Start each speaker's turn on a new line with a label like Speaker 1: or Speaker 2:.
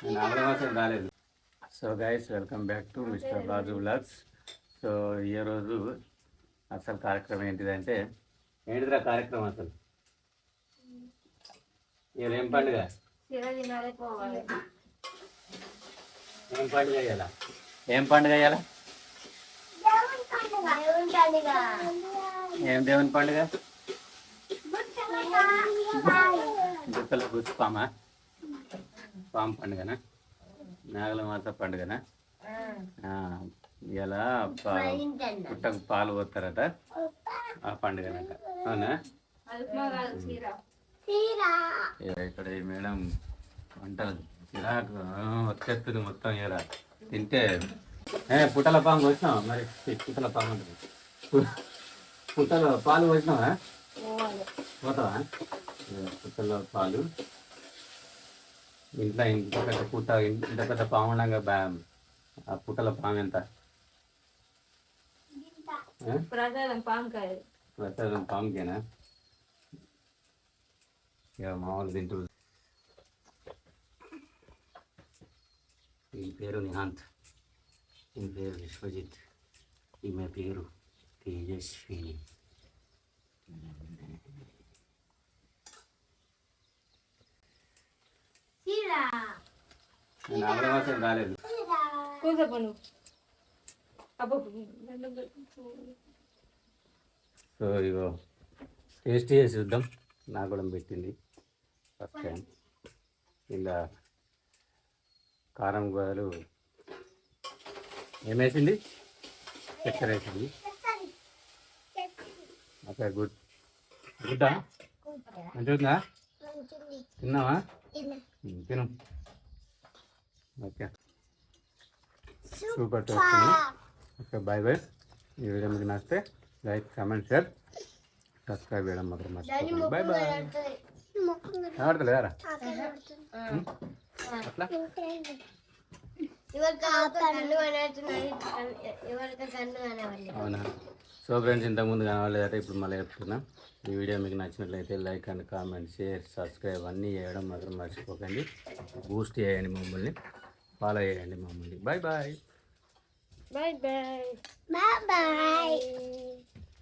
Speaker 1: నాగరమాసం రాలేదు. So guys, welcome back to Mr Raju vlogs. So ఈరోజు అసలు కార్యక్రమం ఏంటిదంటే, ఏంటిదిరా కార్యక్రమం అసలు? ఇవాళ ఏం పండుగ? ఏం పండుగ ఇవాళ? ఏం పండుగ ఇవాళ? ఏం దేవుని పండుగ? గుట్టల గుస్పామా? పాము పండుగనా? నాగల మాత పండుగనా? ఇలా పుట్టకు పాలు పోతారట, ఆ పండుగనట. అవునా? ఇక్కడ ఈ మేడం వంటలు చిరాకు వచ్చేస్తుంది మొత్తం. ఇలా తింటే పుట్టల పాము వచ్చినావా? మరి పుట్టల పాము ఉంటుంది. పుట్టలో పాలు వచ్చినావా? పోతావా? పుట్టలో పాలు ఇంట్లో ఇంత పెద్ద పుట్ట, ఇంత పెద్ద పాము ఉండగా ఆ పుట్టల పాము ఎంత? ప్రసాదం పాముకేనా? ఇక మామూలు తింటూ. ఈ పేరు నిహాంత్, ఈ పేరు విశ్వజిత్, ఈమె పేరు తేజస్విని. నాగరమాసం రాలేదు. సో ఇగో టేస్ట్ చేసి చూద్దాం. నాకు కూడా పెట్టింది ఫస్ట్ టైం. ఇలా కారం గోదలు ఏమేసింది? చక్కెర వేసింది. Okay, good. గుడ్డా మంచిగా తిన్నావా? తిను. Okay, super taste. Okay, bye bye. ఈ వీడియో మీకు నచ్చితే లైక్, కామెంట్, షేర్, సబ్స్క్రైబ్ చేయడం మాత్రం మర్చిపోకండి. Bye bye. ఆడతలేరా అట్లా? అవునా? సో ఫ్రెండ్స్, ఇంతకుముందు కనవాలేదట, ఇప్పుడు మళ్ళీ చెప్తున్నా. ఈ వీడియో మీకు నచ్చినట్లయితే like and comment, share, subscribe అన్నీ చేయడం మాత్రం మర్చిపోకండి. బూస్ట్ చేయండి మమ్మల్ని, ఫాలో చేయండి మమ్మల్ని. Bye bye.
Speaker 2: Bye bye. Bye bye.